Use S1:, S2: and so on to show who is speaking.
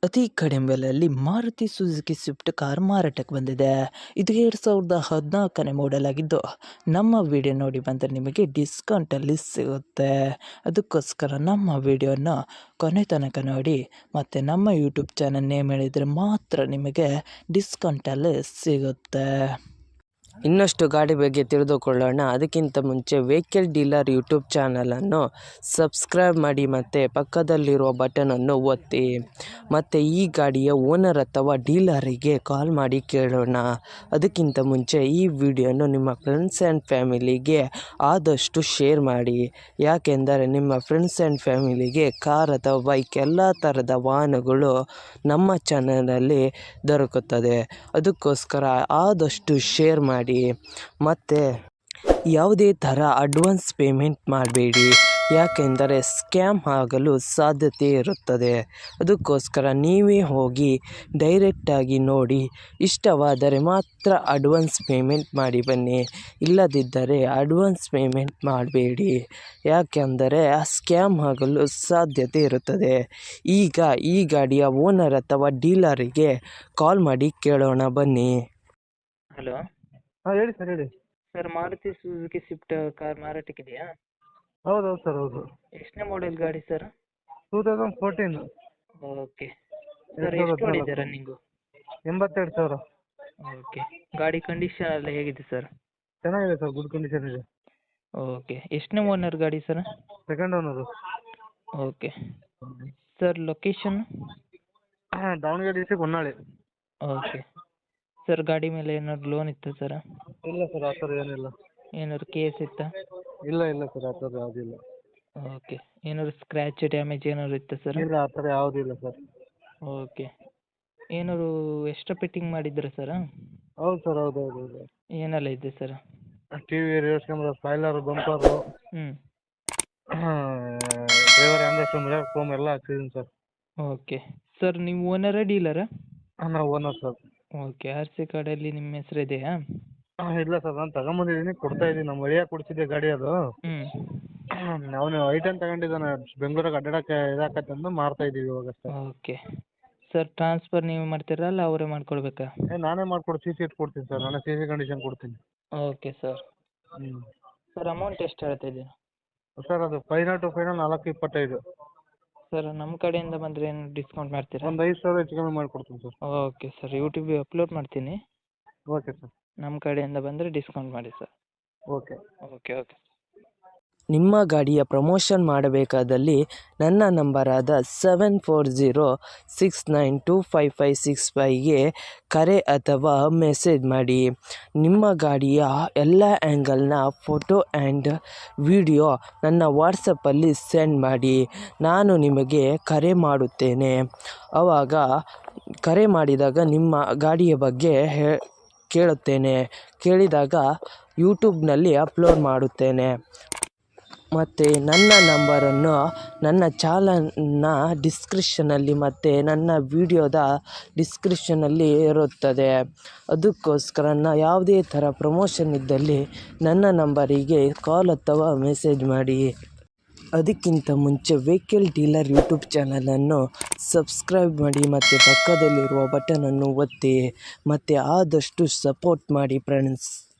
S1: ಅತಿ ಕಡಿಮೆ ಬೆಲೆಯಲ್ಲಿ ಮಾರುತಿ ಸುಜುಕಿ ಸ್ವಿಫ್ಟ್ ಕಾರ್ ಮಾರಾಟಕ್ಕೆ ಬಂದಿದೆ. ಇದು 2014ನೇ ಮಾಡೆಲ್ ಆಗಿದ್ದು, ನಮ್ಮ ವಿಡಿಯೋ ನೋಡಿ ಬಂದರೆ ನಿಮಗೆ ಡಿಸ್ಕೌಂಟಲ್ಲಿ ಸಿಗುತ್ತೆ. ಅದಕ್ಕೋಸ್ಕರ ನಮ್ಮ ವಿಡಿಯೋನ ಕೊನೆ ತನಕ ನೋಡಿ ಮತ್ತು ನಮ್ಮ ಯೂಟ್ಯೂಬ್ ಚಾನಲ್ ನೇಮ್ ಹೇಳಿದರೆ ಮಾತ್ರ ನಿಮಗೆ ಡಿಸ್ಕೌಂಟಲ್ಲಿ ಸಿಗುತ್ತೆ. ಇನ್ನಷ್ಟು ಗಾಡಿ ಬಗ್ಗೆ ತಿಳಿದುಕೊಳ್ಳೋಣ. ಅದಕ್ಕಿಂತ ಮುಂಚೆ ವೆಹಿಕಲ್ ಡೀಲರ್ ಯೂಟ್ಯೂಬ್ ಚಾನಲನ್ನು ಸಬ್ಸ್ಕ್ರೈಬ್ ಮಾಡಿ ಮತ್ತು ಪಕ್ಕದಲ್ಲಿರುವ ಬಟನನ್ನು ಒತ್ತಿ. ಮತ್ತು ಈ ಗಾಡಿಯ ಓನರ್ ಅಥವಾ ಡೀಲರಿಗೆ ಕಾಲ್ ಮಾಡಿ ಕೇಳೋಣ. ಅದಕ್ಕಿಂತ ಮುಂಚೆ ಈ ವಿಡಿಯೋನು ನಿಮ್ಮ ಫ್ರೆಂಡ್ಸ್ ಆ್ಯಂಡ್ ಫ್ಯಾಮಿಲಿಗೆ ಆದಷ್ಟು ಶೇರ್ ಮಾಡಿ. ಯಾಕೆಂದರೆ ನಿಮ್ಮ ಫ್ರೆಂಡ್ಸ್ ಆ್ಯಂಡ್ ಫ್ಯಾಮಿಲಿಗೆ ಕಾರ್ ಅಥವಾ ಬೈಕ್ ಎಲ್ಲ ಥರದ ವಾಹನಗಳು ನಮ್ಮ ಚಾನಲಲ್ಲಿ ದೊರಕುತ್ತದೆ. ಅದಕ್ಕೋಸ್ಕರ ಆದಷ್ಟು ಶೇರ್ ಮಾಡಿ. ಮತ್ತು ಯಾವುದೇ ಥರ ಅಡ್ವಾನ್ಸ್ ಪೇಮೆಂಟ್ ಮಾಡಬೇಡಿ, ಯಾಕೆಂದರೆ ಸ್ಕ್ಯಾಮ್ ಆಗಲು ಸಾಧ್ಯತೆ ಇರುತ್ತದೆ. ಅದಕ್ಕೋಸ್ಕರ ನೀವೇ ಹೋಗಿ ಡೈರೆಕ್ಟಾಗಿ ನೋಡಿ, ಇಷ್ಟವಾದರೆ ಮಾತ್ರ ಅಡ್ವಾನ್ಸ್ ಪೇಮೆಂಟ್ ಮಾಡಿ ಬನ್ನಿ. ಇಲ್ಲದಿದ್ದರೆ ಅಡ್ವಾನ್ಸ್ ಪೇಮೆಂಟ್ ಮಾಡಬೇಡಿ, ಯಾಕೆಂದರೆ ಸ್ಕ್ಯಾಮ್ ಆಗಲು ಸಾಧ್ಯತೆ ಇರುತ್ತದೆ. ಈಗ ಈ ಗಾಡಿಯ ಓನರ್ ಅಥವಾ ಡೀಲರಿಗೆ ಕಾಲ್ ಮಾಡಿ ಕೇಳೋಣ ಬನ್ನಿ. ಹಲೋ
S2: ಹೇಳಿ ಸರ್, ಹೇಳಿ
S1: sir, Maruti Suzuki Swift car ಮಾರಾಟಕ್ಕಿದೆಯಾ?
S2: ಹೌದು ಸರ್, ಹೌದು.
S1: ಎಷ್ಟನೇ ಮಾಡೆಲ್ ಗಾಡಿ ಸರ್?
S2: 2014.
S1: ಓಕೆ ಸರ್, ಎಷ್ಟು ಹೊಡಿದೆ ರನ್ನಿಂಗು?
S2: 82,000.
S1: ಓಕೆ, ಗಾಡಿ ಕಂಡೀಷನ್ ಎಲ್ಲ ಹೇಗಿದೆ ಸರ್?
S2: ಚೆನ್ನಾಗಿದೆ ಸರ್, ಗುಡ್ ಕಂಡೀಷನ್ ಇದೆ.
S1: ಓಕೆ, ಎಷ್ಟನೇ ಓನರ್ ಗಾಡಿ sir?
S2: Second owner.
S1: Okay sir, location?
S2: Davanagere district Honnali.
S1: Okay sir, ಗಾಡಿ ಮೇಲೆ ಏನಾದ್ರು ಲೋನ್ ಇತ್ತಾ ಸರ್?
S2: ಇಲ್ಲ ಸರ್, ಆ ಥರ ಏನಿಲ್ಲ.
S1: ಏನಾದ್ರು ಕೇಸ್ ಇತ್ತಾ?
S2: ಇಲ್ಲ ಸರ್, ಆ ಥರ ಯಾವುದಿಲ್ಲ.
S1: ಓಕೆ, ಏನಾದ್ರು ಸ್ಕ್ರ್ಯಾಚ್ ಡ್ಯಾಮೇಜ್ ಏನಾದ್ರು ಇತ್ತಾ ಸರ್?
S2: ಇಲ್ಲ, ಆ ಥರ ಯಾವುದಿಲ್ಲ ಸರ್.
S1: ಓಕೆ, ಏನಾದ್ರು ಎಕ್ಸ್ಟ್ರಾ ಫಿಟ್ಟಿಂಗ್ ಮಾಡಿದ್ದೀರಾ ಸರ್?
S2: ಹೌದು ಸರ್, ಹೌದು.
S1: ಏನೆಲ್ಲ ಇದೆ sir?
S2: T V, reverse camera, spoiler, bumper, driver hand mirror foam ಎಲ್ಲ ಹಾಕ್ಸಿದ್ದೀನಿ ಸರ್.
S1: ಓಕೆ ಸರ್, ನೀವು ಓನರಾ ಡೀಲರಾ?
S2: ನಾವು owner sir.
S1: Okay, R C ಕಾರ್ಡಲ್ಲಿ ನಿಮ್ಮ ಹೆಸರು ಇದೆಯಾ?
S2: ಇಲ್ಲ ಸರ್, ನಾನು ತಗೊಂಬಂದಿದ್ದೀನಿ, ಕೊಡ್ತಾ ಇದ್ದೀನಿ. ನಮ್ಮ ಒಡೆಯ ಕೊಡಿಸಿದ್ದೆ ಗಾಡಿ ಅದು. ಅವನು ಐಟನ್ ತಗೊಂಡಿದ್ದಾನೆ, ಬೆಂಗಳೂರಿಗೆ ಅಡ್ಡಾಡಕ್ಕೆ ಇದಾಕತ್ತಂದು ಮಾರ್ತಾ ಇದ್ದೀವಿ ಇವಾಗ ಅಷ್ಟೇ.
S1: ಓಕೆ ಸರ್, ಟ್ರಾನ್ಸ್ಫರ್ ನೀವು ಮಾಡ್ತೀರಾ ಅಲ್ಲ ಅವರೇ ಮಾಡ್ಕೊಡ್ಬೇಕಾ?
S2: ನಾನೇ ಮಾಡ್ಕೊಡು, ಸಿ ಸಿ ಕೊಡ್ತೀನಿ ಸರ್, ನಾನೇ ಸಿ ಸಿ ಕಂಡೀಷನ್ ಕೊಡ್ತೀನಿ.
S1: Okay sir. ಸರ್, ಅಮೌಂಟ್ ಎಷ್ಟು ಹೇಳ್ತಾ ಇದ್ದೀರಾ?
S2: ಸರ್, ಅದು ಫೈನಲ್ ಟು ಫೈನಲ್ 425.
S1: ಸರ್, ನಮ್ಮ ಕಡೆಯಿಂದ ಬಂದರೆ ಏನು ಡಿಸ್ಕೌಂಟ್ ಮಾಡ್ತೀರಾ?
S2: ಒಂದು 5,000 ಹೆಚ್ಚು ಕಮ್ಮಿ ಮಾಡಿಕೊಡ್ತೀನಿ ಸರ್.
S1: ಓಕೆ ಸರ್, ಯೂಟ್ಯೂಬಿಗೆ ಅಪ್ಲೋಡ್ ಮಾಡ್ತೀನಿ.
S2: Okay sir.
S1: ನಮ್ಮ ಕಡೆಯಿಂದ ಬಂದರೆ ಡಿಸ್ಕೌಂಟ್ ಮಾಡಿ ಸರ್.
S2: ಓಕೆ.
S1: ನಿಮ್ಮ ಗಾಡಿಯ ಪ್ರಮೋಷನ್ ಮಾಡಬೇಕಾದಲ್ಲಿ ನನ್ನ ನಂಬರಾದ 7406925565ಗೆ ಕರೆ ಅಥವಾ ಮೆಸೇಜ್ ಮಾಡಿ. ನಿಮ್ಮ ಗಾಡಿಯ ಎಲ್ಲ ಆ್ಯಂಗಲ್ನ ಫೋಟೋ ಆ್ಯಂಡ್ ವಿಡಿಯೋ ನನ್ನ ವಾಟ್ಸಪ್ಪಲ್ಲಿ ಸೆಂಡ್ ಮಾಡಿ. ನಾನು ನಿಮಗೆ ಕರೆ ಮಾಡುತ್ತೇನೆ. ಆವಾಗ ಕರೆ ಮಾಡಿದಾಗ ನಿಮ್ಮ ಗಾಡಿಯ ಬಗ್ಗೆ ಕೇಳಿದಾಗ ಯೂಟ್ಯೂಬ್ನಲ್ಲಿ ಅಪ್ಲೋಡ್ ಮಾಡುತ್ತೇನೆ. ಮತ್ತು ನನ್ನ ನಂಬರನ್ನು ನನ್ನ ಚಾನಲ್ನ ಡಿಸ್ಕ್ರಿಪ್ಷನಲ್ಲಿ ಮತ್ತು ನನ್ನ ವಿಡಿಯೋದ ಡಿಸ್ಕ್ರಿಪ್ಷನಲ್ಲಿ ಇರುತ್ತದೆ. ಅದಕ್ಕೋಸ್ಕರ ಯಾವುದೇ ಥರ ಪ್ರಮೋಷನ್ ಇದ್ದಲ್ಲಿ ನನ್ನ ನಂಬರಿಗೆ ಕಾಲ್ ಅಥವಾ ಮೆಸೇಜ್ ಮಾಡಿ. ಅದಕ್ಕಿಂತ ಮುಂಚೆ ವೆಹಿಕಲ್ ಡೀಲರ್ ಯೂಟ್ಯೂಬ್ ಚಾನಲನ್ನು ಸಬ್ಸ್ಕ್ರೈಬ್ ಮಾಡಿ ಮತ್ತು ಪಕ್ಕದಲ್ಲಿರುವ ಬಟನನ್ನು ಒತ್ತಿ ಮತ್ತು ಆದಷ್ಟು ಸಪೋರ್ಟ್ ಮಾಡಿ ಫ್ರೆಂಡ್ಸ್.